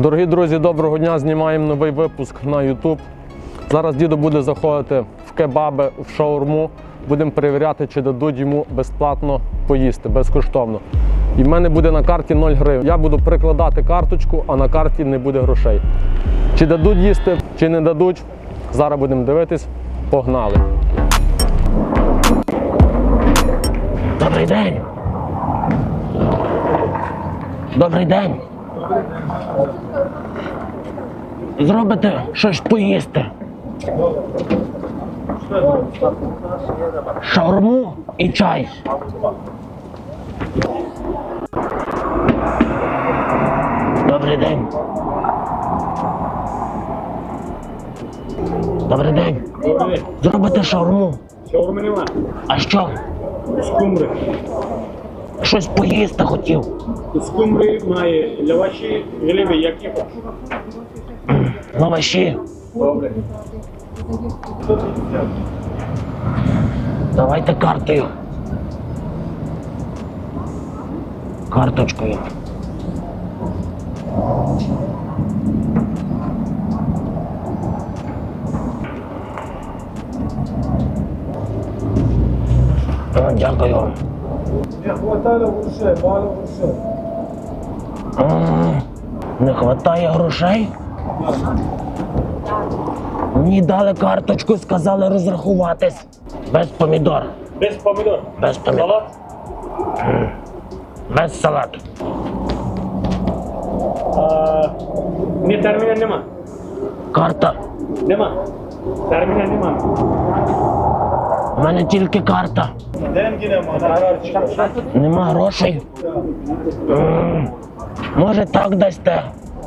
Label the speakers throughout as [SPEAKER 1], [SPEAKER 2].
[SPEAKER 1] Дорогі друзі, доброго дня! Знімаємо новий випуск на YouTube. Зараз дідо буде заходити в кебаби, в шаурму. Будемо перевіряти, чи дадуть йому безплатно поїсти, безкоштовно. І в мене буде на карті 0 гривень. Я буду прикладати карточку, а на карті не буде грошей. Чи дадуть їсти, чи не дадуть, зараз будемо дивитись. Погнали!
[SPEAKER 2] Добрий день! Добрий день! Зробите щось поїсти? Шаурму і чай. Добрий день. Добрий день. Зробите шаурму.
[SPEAKER 3] Шаурми нема.
[SPEAKER 2] А що?
[SPEAKER 3] Скумбри.
[SPEAKER 2] Щось поїсти хотів.
[SPEAKER 3] Скумбри має лаваші, гриби, які хочеш.
[SPEAKER 2] Лаваші.
[SPEAKER 3] Добре.
[SPEAKER 2] Давайте картою. Карточкою. О, дякую вам.
[SPEAKER 3] Не хватало грошей, мало грошей.
[SPEAKER 2] Не вистачає грошей? Мені дали карточку, сказали розрахуватись. Без помідор.
[SPEAKER 3] Без помідор.
[SPEAKER 2] Без помідор.
[SPEAKER 3] Салат.
[SPEAKER 2] Без салату.
[SPEAKER 3] Ні, терміна нема.
[SPEAKER 2] Карта.
[SPEAKER 3] Нема. Терміна нема.
[SPEAKER 2] У мене тільки карта.
[SPEAKER 3] Деньги нема.
[SPEAKER 2] Нема грошей. Може так дасте?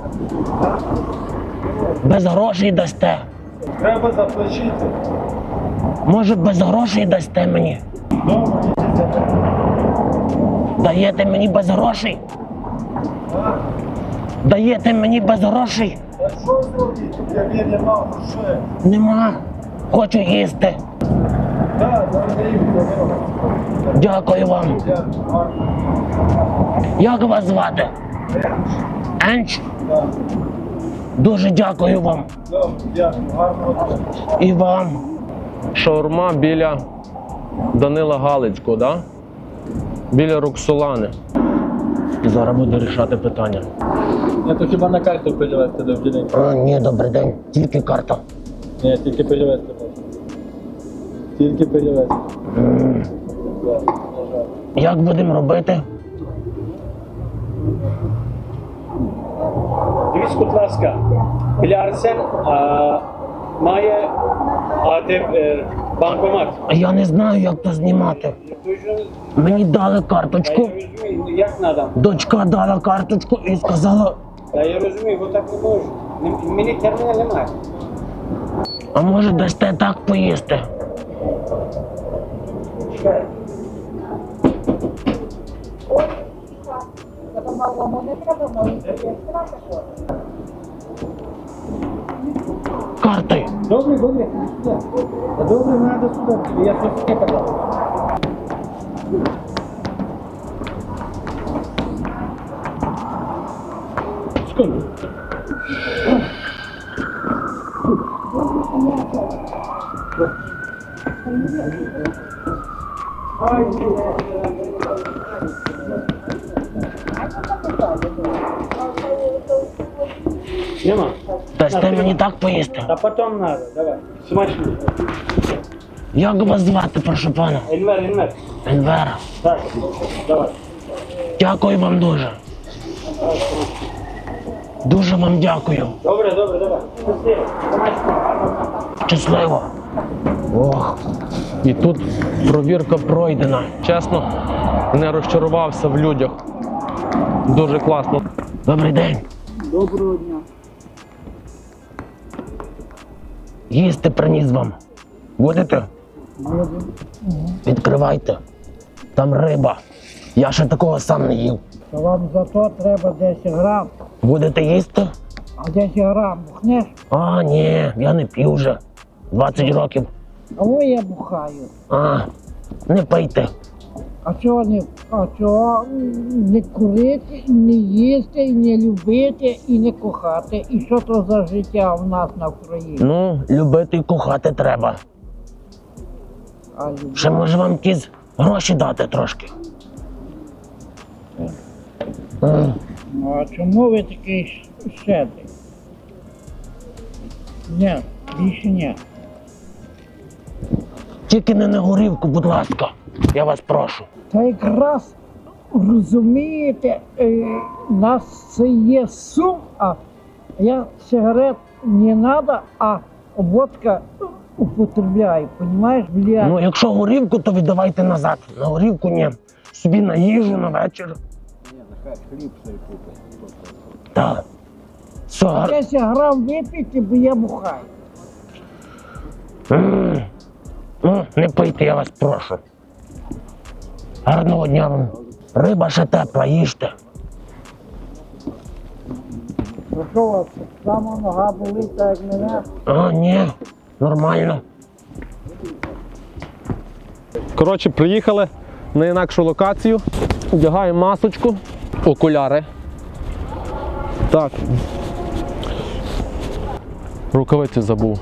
[SPEAKER 2] Без грошей дасте?
[SPEAKER 3] Треба заплатити.
[SPEAKER 2] Може без грошей дасте мені? Даєте мені без грошей? Даєте мені без грошей?
[SPEAKER 3] А що зробити, як нема грошей?
[SPEAKER 2] Нема. Хочу їсти.
[SPEAKER 3] Так,
[SPEAKER 2] Дякую вам. Як вас звати? Енч? Дуже дякую вам. І вам.
[SPEAKER 1] Шаурма біля Данила Галицького, да? Біля Роксолани. Зараз буду рішати питання.
[SPEAKER 3] Я то хіба на карту перевести до день?
[SPEAKER 2] Ні, добрий день. Тільки карта.
[SPEAKER 3] Ні, тільки перевести можна. Тільки перевести.
[SPEAKER 2] Як будемо робити?
[SPEAKER 3] Дивіться, будь ласка, біля Арсен має банкомат.
[SPEAKER 2] Я не знаю, як то знімати. Мені дали карточку.
[SPEAKER 3] Я розумію, як треба.
[SPEAKER 2] Дочка дала карточку і сказала,
[SPEAKER 3] Я розумію, бо так не можу. Мені терміна немає.
[SPEAKER 2] а може дасте так поїсти? Картою.
[SPEAKER 3] Добре, добре. Добре, треба сюди. Я тут не казав. Секунду. Нема.
[SPEAKER 2] Дасте мені так поїсти?
[SPEAKER 3] А потом надо, давай. Смачно.
[SPEAKER 2] Як вас звати, прошу пана?
[SPEAKER 3] Енвер.
[SPEAKER 2] Енвер.
[SPEAKER 3] Так, давай.
[SPEAKER 2] Дякую вам дуже. Дуже вам дякую.
[SPEAKER 3] Добре, давай. Щасливо. Смачно.
[SPEAKER 2] Щасливо. Ох.
[SPEAKER 1] І тут провірка пройдена. Чесно, не розчарувався в людях. Дуже класно.
[SPEAKER 2] Добрий день.
[SPEAKER 3] Доброго дня.
[SPEAKER 2] Їсти приніс вам. Будете? Відкривайте. Там риба. Я ще такого сам не їв.
[SPEAKER 4] То вам зато треба 10 грам.
[SPEAKER 2] Будете їсти?
[SPEAKER 4] А 10 грам бухнеш?
[SPEAKER 2] А, ні, я не п'ю вже. 20 років.
[SPEAKER 4] А во я бухаю.
[SPEAKER 2] А, не пийте.
[SPEAKER 4] А чого не курити, і не їсти, і не любити, і не кохати? І що то за життя в нас на Україні?
[SPEAKER 2] Ну, любити і кохати треба.
[SPEAKER 4] А любити?
[SPEAKER 2] Ще може вам якісь гроші дати трошки.
[SPEAKER 4] Ну, а чому ви такий щедрий? Ні, більше ні.
[SPEAKER 2] Тільки не на горівку, будь ласка. Я вас прошу.
[SPEAKER 4] Та якраз розумієте, у нас це є сум, а я сигарет не треба, а водка употребляю, розумієш?
[SPEAKER 2] Ну, якщо горівку, то віддавайте назад. На горівку ні. Собі на їжу, на вечір.
[SPEAKER 3] Ні, нехай хліб цей купить.
[SPEAKER 2] Так. Все,
[SPEAKER 4] 10 грам випити, бо я бухаю.
[SPEAKER 2] Ну, не пийте, я вас прошу. Гарного дня вам. Риба ще тепла, їжте.
[SPEAKER 4] Ну що у вас, сама нога болить, так як мене?
[SPEAKER 2] А, ні, нормально.
[SPEAKER 1] Коротше, приїхали на інакшу локацію. Вдягаємо масочку, окуляри. Так. Рукавиці забув.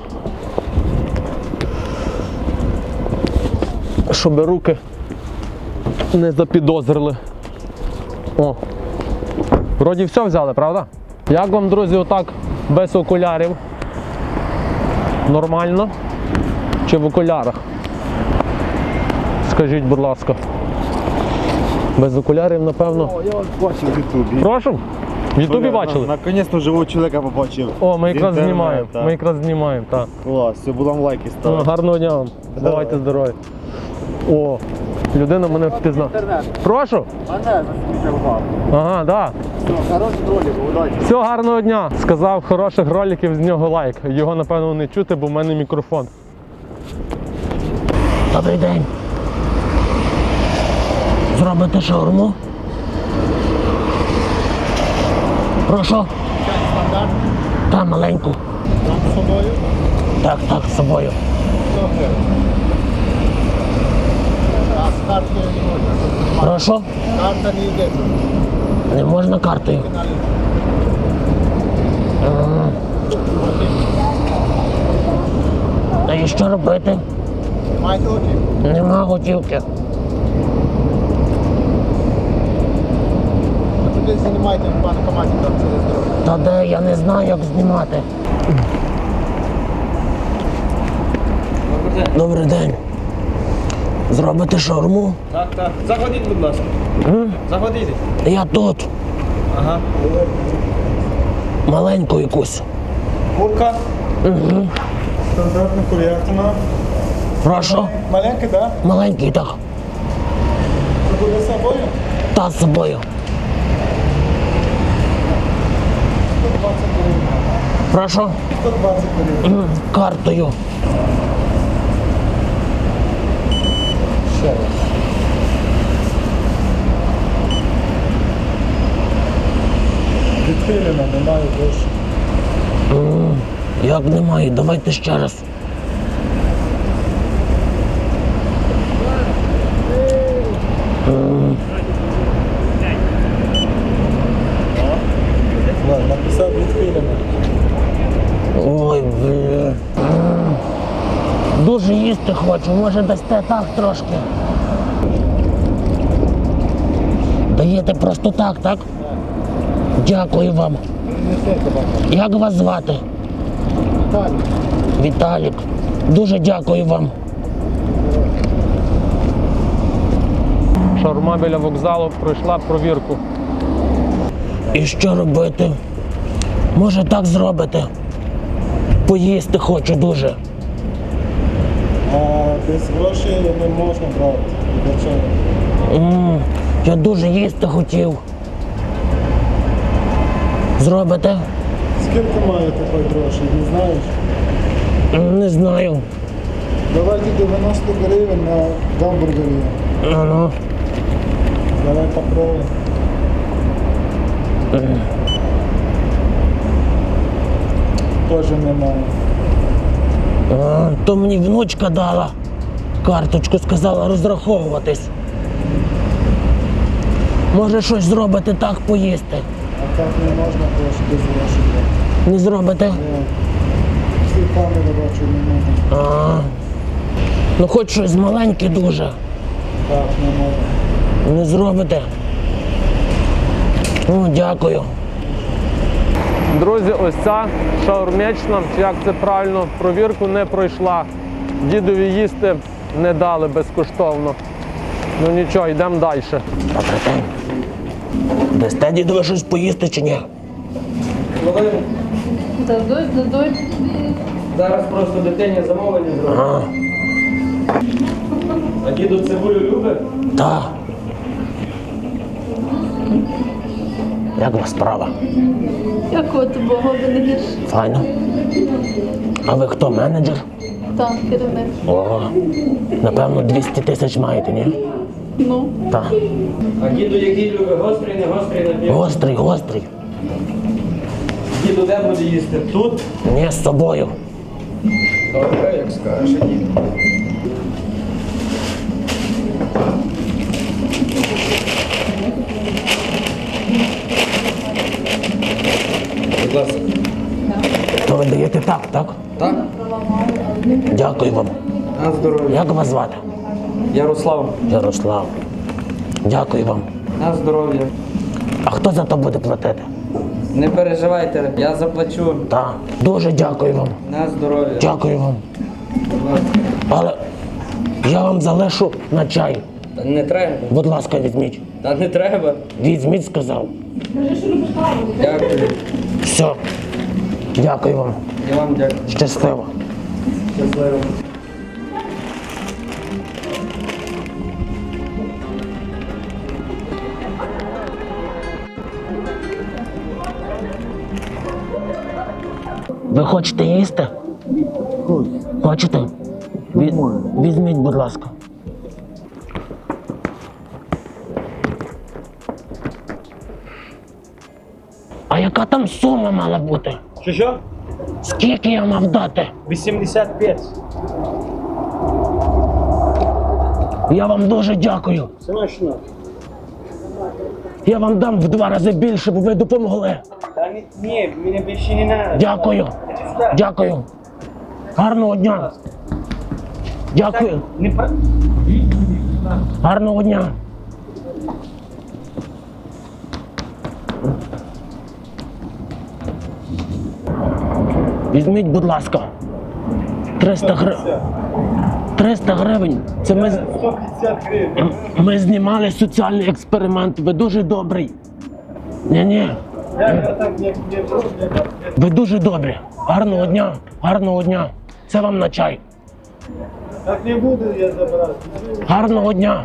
[SPEAKER 1] Щоб руки не запідозрили. О. Вроді все взяли, правда? Як вам, друзі, отак без окулярів? Нормально? Чи в окулярах? Скажіть, будь ласка. Без окулярів, напевно.
[SPEAKER 3] О, я вас бачив в Ютубі.
[SPEAKER 1] Прошу? В Ютубі бачили?
[SPEAKER 3] Наконець-то живого чоловіка побачив.
[SPEAKER 1] О, ми якраз
[SPEAKER 3] Інтернет,
[SPEAKER 1] знімаємо.
[SPEAKER 3] так.
[SPEAKER 1] Ми якраз знімаємо, так.
[SPEAKER 3] Клас, все, будемо лайки
[SPEAKER 1] Ну,
[SPEAKER 3] ставити.
[SPEAKER 1] гарного дня вам. Бувайте здорові. О, людина мене впізнала. Прошу?
[SPEAKER 3] Мене засміхав.
[SPEAKER 1] Ага, так.
[SPEAKER 3] Все, хороший ролик, удачі.
[SPEAKER 1] Все, гарного дня. Сказав, хороших роликів, з нього лайк. Його, напевно, не чути, бо в мене мікрофон.
[SPEAKER 2] Добрий день. Зробите шаурму? Прошу. Та маленьку.
[SPEAKER 3] Там з собою?
[SPEAKER 2] Так, з собою.
[SPEAKER 3] Добре. А з карти не можна.
[SPEAKER 2] Прошу.
[SPEAKER 3] Карта не йде.
[SPEAKER 2] Не можна картою. А і що робити?
[SPEAKER 3] Маєте очі?
[SPEAKER 2] Нема готівки.
[SPEAKER 3] Туди знімайте в банкоматі, там це здоров'я.
[SPEAKER 2] Та де, я не знаю, як знімати. Добрий день. Зробите шаурму?
[SPEAKER 3] Так, так. Заходіть, будь ласка. Заходіть.
[SPEAKER 2] Я тут.
[SPEAKER 3] Ага.
[SPEAKER 2] Маленьку якусь.
[SPEAKER 3] Курка. Стандартна курятина.
[SPEAKER 2] Прошу.
[SPEAKER 3] Маленька, так?
[SPEAKER 2] Маленький так.
[SPEAKER 3] Це буде з собою?
[SPEAKER 2] Та з собою.
[SPEAKER 3] 120 гривень.
[SPEAKER 2] Прошу.
[SPEAKER 3] 120 гривень.
[SPEAKER 2] Картою.
[SPEAKER 3] Ще раз. Відхилено, немає грошей.
[SPEAKER 2] Як немає, давайте ще раз.
[SPEAKER 3] Ладно, написав відхилено.
[SPEAKER 2] Ой, блін. Дуже їсти хочу, може дасте так трошки. Даєте просто так, так? Дякую вам.
[SPEAKER 3] Принесете вам.
[SPEAKER 2] Як вас звати?
[SPEAKER 3] Далі.
[SPEAKER 2] Віталік. Дуже дякую вам.
[SPEAKER 1] Шаурма біля вокзалу пройшла провірку.
[SPEAKER 2] І що робити? Може так зробите? Поїсти хочу дуже.
[SPEAKER 3] А без грошей не можна брати. Для чого?
[SPEAKER 2] Я дуже їсти хотів. Зробите?
[SPEAKER 3] Скільки маєте хоч грошей, не знаєш?
[SPEAKER 2] Не знаю.
[SPEAKER 3] Давайте 90 гривень на гамбургері.
[SPEAKER 2] Ну.
[SPEAKER 3] Давай попробуем. Тоже немає.
[SPEAKER 2] То мені внучка дала карточку, сказала розраховуватись. Може щось зробите так поїсти?
[SPEAKER 3] А так не можна, трошки без грошей.
[SPEAKER 2] Не зробите?
[SPEAKER 3] Всі камери бачу не можна.
[SPEAKER 2] А. Ну хоч щось маленьке дуже.
[SPEAKER 3] Так, не можна.
[SPEAKER 2] Не зробите. Ну, дякую.
[SPEAKER 1] Друзі, ось ця шаурмячна, чи як це правильно, провірку не пройшла. Дідові їсти не дали безкоштовно. Ну нічого, йдемо далі.
[SPEAKER 2] Добрий день. Дасте дідове щось поїсти чи ні?
[SPEAKER 4] Дадуть.
[SPEAKER 5] Зараз просто дитині замовлення зробимо.
[SPEAKER 2] А,
[SPEAKER 5] А діду цибулю любить?
[SPEAKER 2] так. Як у вас справа?
[SPEAKER 6] Дякувати Богу, ви не гірше.
[SPEAKER 2] Файно. А ви хто, менеджер?
[SPEAKER 6] Так, керівник.
[SPEAKER 2] О, напевно, 200 тисяч маєте, ні?
[SPEAKER 6] Ну,
[SPEAKER 2] Так.
[SPEAKER 5] А діду який любить? Гострий, не гострий напій?
[SPEAKER 2] Гострий, гострий.
[SPEAKER 5] Діду де буде їсти? Тут?
[SPEAKER 2] Ні, з собою.
[SPEAKER 5] Добре, як скажеш, діду. Будь ласка.
[SPEAKER 2] То ви даєте так, так?
[SPEAKER 5] Так?
[SPEAKER 2] Дякую вам.
[SPEAKER 5] На здоров'я.
[SPEAKER 2] Як вас звати?
[SPEAKER 5] Ярослав,
[SPEAKER 2] Ярослав. Дякую вам.
[SPEAKER 5] на здоров'я.
[SPEAKER 2] А хто за то буде платити?
[SPEAKER 5] Не переживайте, я заплачу.
[SPEAKER 2] Так. Дуже дякую вам.
[SPEAKER 5] На здоров'я.
[SPEAKER 2] Дякую вам.
[SPEAKER 5] Будь ласка.
[SPEAKER 2] Але я вам залишу на чай.
[SPEAKER 5] Та не треба.
[SPEAKER 2] Будь ласка, візьміть.
[SPEAKER 5] Та не треба.
[SPEAKER 2] Візьміть, сказав.
[SPEAKER 5] Дякую.
[SPEAKER 2] Все. Дякую вам.
[SPEAKER 5] Я вам дякую.
[SPEAKER 2] Щасливо.
[SPEAKER 5] Щасливо.
[SPEAKER 2] Ви хочете їсти? Хочете? Візьміть, будь ласка. А яка там сума мала бути?
[SPEAKER 3] Що?
[SPEAKER 2] Скільки я мав дати?
[SPEAKER 3] 85.
[SPEAKER 2] Я вам дуже дякую.
[SPEAKER 3] Смачно.
[SPEAKER 2] Я вам дам в 2 рази більше, бо ви допомогли.
[SPEAKER 3] Та ні, мені більше не треба.
[SPEAKER 2] Дякую. Дякую. Гарного дня. Дякую. Гарного дня. Візьміть, будь ласка. 300 гривень. 300 гривень. Це ми,
[SPEAKER 3] 150 гривень.
[SPEAKER 2] ми знімали соціальний експеримент. Ви дуже добрий. Ні.
[SPEAKER 3] Я так не
[SPEAKER 2] Ви дуже добрі. Гарного дня. Гарного дня. Це вам на чай.
[SPEAKER 3] Так не буду я забирати.
[SPEAKER 2] Гарного дня.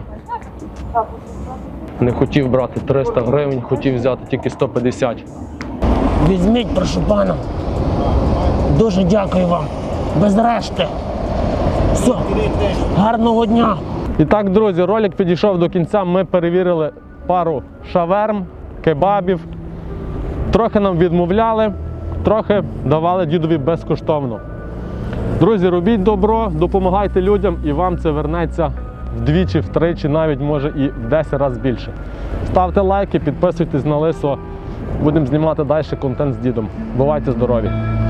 [SPEAKER 1] Не хотів брати 300 гривень, хотів взяти тільки 150.
[SPEAKER 2] Візьміть, прошу пана. Дуже дякую вам. Без решти. Все. Гарного дня.
[SPEAKER 1] І так, друзі, ролик підійшов до кінця. Ми перевірили пару шаверм, кебабів. Трохи нам відмовляли, трохи давали дідові безкоштовно. Друзі, робіть добро, допомагайте людям, і вам це вернеться вдвічі, втричі, навіть може і в 10 разів більше. Ставте лайки, підписуйтесь на Лисо. Будемо знімати далі контент з дідом. Бувайте здорові!